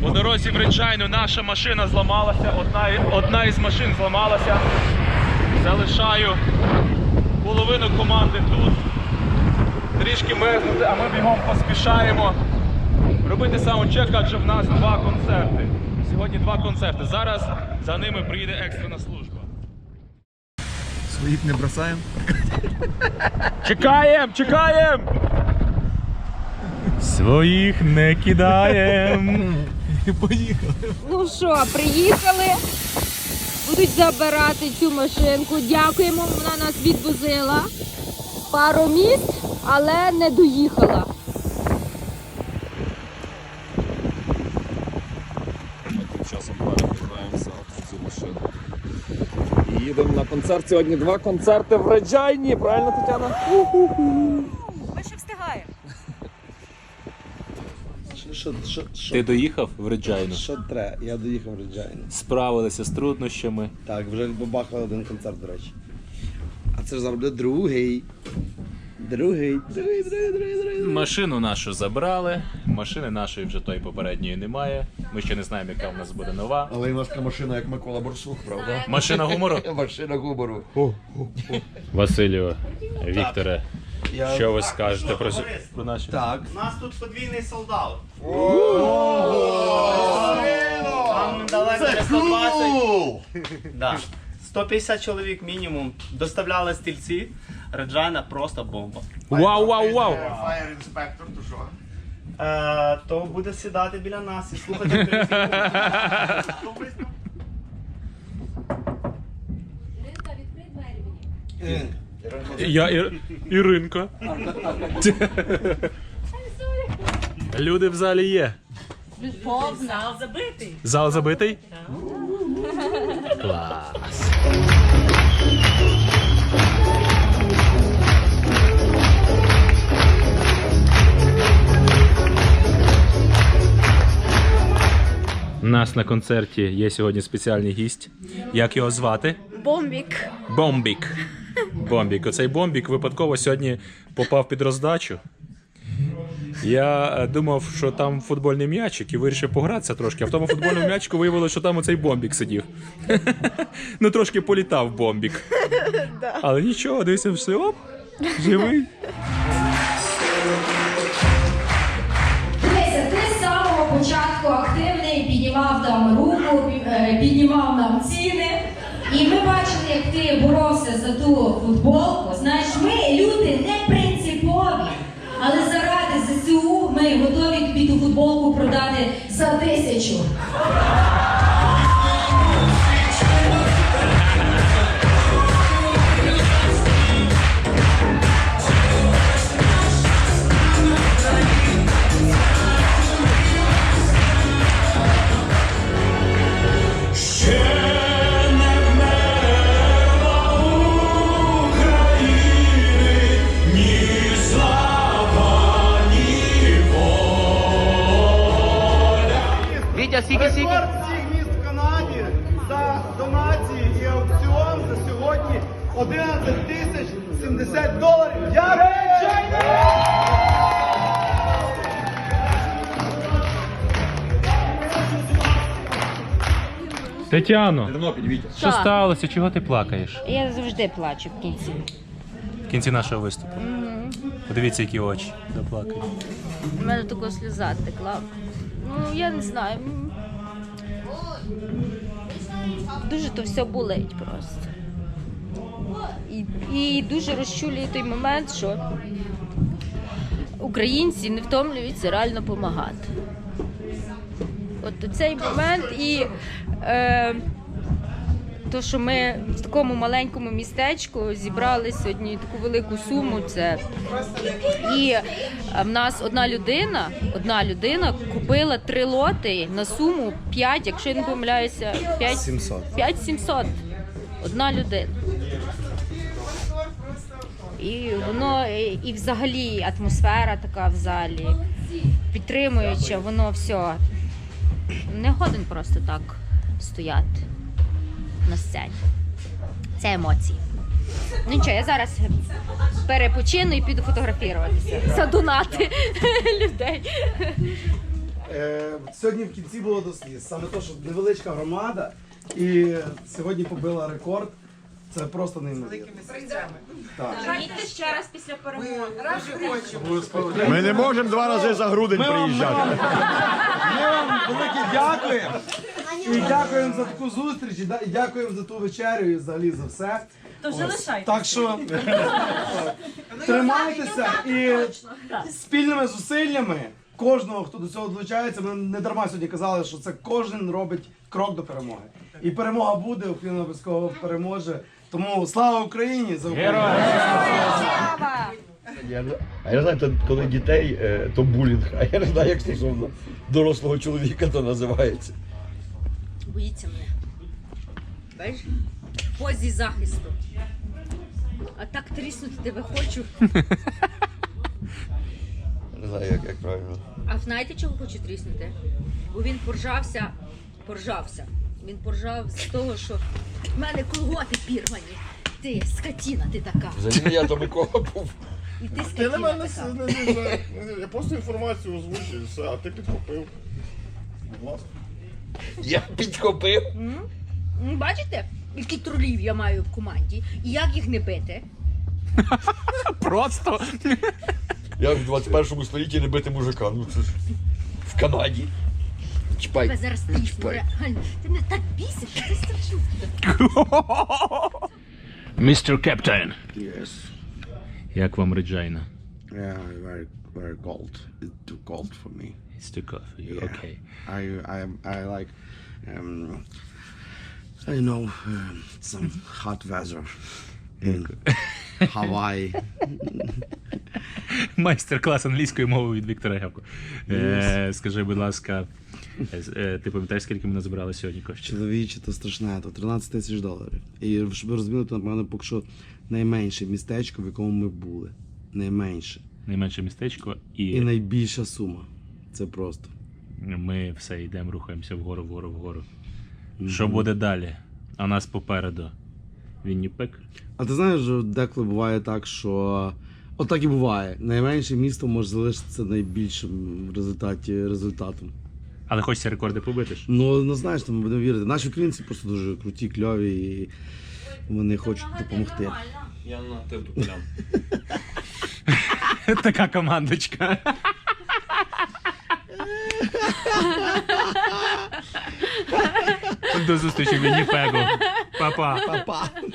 По дорозі в Реджайну наша машина зламалася, одна із машин зламалася. Залишаю половину команди тут. Трішки мерзнути, а ми бігом поспішаємо робити саундчек, адже в нас 2 концерти. Сьогодні 2 концерти. Зараз за ними приїде екстрена служба. Своїх не бросаємо. Чекаємо, чекаємо! Своїх не кидаємо. Поїхали. Ну що, приїхали, будуть забирати цю машинку. Дякуємо, вона нас відвозила пару міст, але не доїхала. Тим часом перебираємося в цю машину. І їдемо на концерт. Сьогодні 2 концерти в Реджайні. Правильно, Тетяна? Ми ще встигаємо. Ти доїхав в Реджайну? Що треба? Я доїхав в Реджайну. Справилися з труднощами. Так, вже побахали 1 концерт, до речі. А це ж зараз буде другий. Другий. Машину нашу забрали, машини нашої вже тої попередньої немає. Ми ще не знаємо, яка в нас буде нова. Але у нас така машина, як Микола Борсух, правда? Машина гумору? Машина гумору. Василю, Вікторе, що ви скажете про наші? Так. У нас тут подвійний солдат. Там далеко не 120. Да. 150 чоловік мінімум. Доставляли стільці. Реджайна просто бомба. Вау, вау, вау! Fire inspector, то що? То буде сідати біля нас і слухати українську. Я Іринка. Люди в залі є. Зал забитий. Зал забитий? Клас. У нас на концерті є сьогодні спеціальний гість. Як його звати? Бомбік. Бомбік. Бомбік. Оцей Бомбік випадково сьогодні попав під роздачу. Я думав, що там футбольний м'ячик і вирішив погратися трошки, а в тому футбольному м'ячику виявилося, що там оцей Бомбік сидів. Ну трошки політав Бомбік. Але нічого, дивися, все, оп, живий. Дивися, ти з самого початку активний, піднімав там руку, піднімав нам ціни. І ми бачили, як ти боровся за ту футболку. Знаєш, ми люди не принципові, але заради ЗСУ ми готові тобі ту футболку продати за 1000. Рекорд всіх міст в Канаді за донації і аукціон за сьогодні $11,070. Я Реджайна! Тетяно, що сталося? Чого ти плакаєш? Я завжди плачу в кінці. В кінці нашого виступу. Подивіться, які очі заплакають. У мене така сльоза текла. Ну, я не знаю. Дуже то все болить просто. І дуже розчулює той момент, що українці не втомлюються реально допомагати. От цей момент і то, що ми в такому маленькому містечку зібрали сьогодні таку велику суму, це і в нас одна людина купила 3 лоти на суму 5, якщо я не помиляюся, 5700. Одна людина. І воно, і взагалі атмосфера така в залі, підтримуюча, воно все. Не годен просто так стояти на сцені. Це емоції. Ну нічого, я зараз перепочину і піду фотографуватися. Задонати людей. Сьогодні в кінці було до сліз. Саме те, що невеличка громада і сьогодні побила рекорд. Це просто неймовірно. Їдьте ще раз після перемоги. Ми не можемо 2 рази за грудень приїжджати. Ми вам велике дякуємо. І дякуємо за таку зустріч, і дякуємо за ту вечерю і взагалі за все. То вже лишайте. Так що тримайтеся і спільними зусиллями кожного, хто до цього долучається, ми не дарма сьогодні казали, що це кожен робить крок до перемоги. І перемога буде, Україна обов'язково переможе. Тому слава Україні! За Україну! А я знаю, коли дітей, то булінг. А я не знаю, як стосовно дорослого чоловіка то називається. Боїться мене. Бачиш? В позі захисту. А так тріснути тебе хочу. Не знаю, як правильно. А знаєте, чого хочу тріснути? Бо він поржався. Він поржав з того, що в мене колготи пірвані. Ти скотіна, ти така. Взагалі я то Микола був. І ти Ти на скотіна мене така. я просто інформацію озвучив, і все, а ти підхопив. Будь ласка. Я підхопив. Бачите, які тролів я маю в команді? І як їх не бити? Просто. Як в 21 столітті не бити мужика. Ну це ж в Канаді. Чіпай. Тебе зараз трісну, Чіпай. реально. Ти мене так бісиш, що ти страшно. Містер Кептен. Yes. Як вам Реджайна? Yeah, very cold. It's too cold for me. It's too cold for you. Yeah. Okay. I like, I know, some hot weather in Hawaii. Майстер-клас англійської мови від Віктора Гевко. Скажи, будь ласка, ти пам'ятаєш, скільки ми назбирали сьогодні коштів? Чоловіче, то страшне, то $13 000. І щоб ви розуміли, то, напевно, поки що найменше містечко, в якому ми були. Найменше. Найменше містечко І найбільша сума. Це просто. ми все йдемо, рухаємося вгору. Що буде далі? А у нас попереду Вінніпек. А ти знаєш, що деколи буває так, що... От так і буває. Найменше місто може залишитися найбільшим в результаті результатом. Але хочеться рекорди побити ж. Ну знаєш, там ми будемо вірити. Наші українці просто дуже круті, кльові і вони хочуть допомогти. Я на ти туполям. Така командочка. До зустрічі в Вінніпегу. Па-па. Па-па!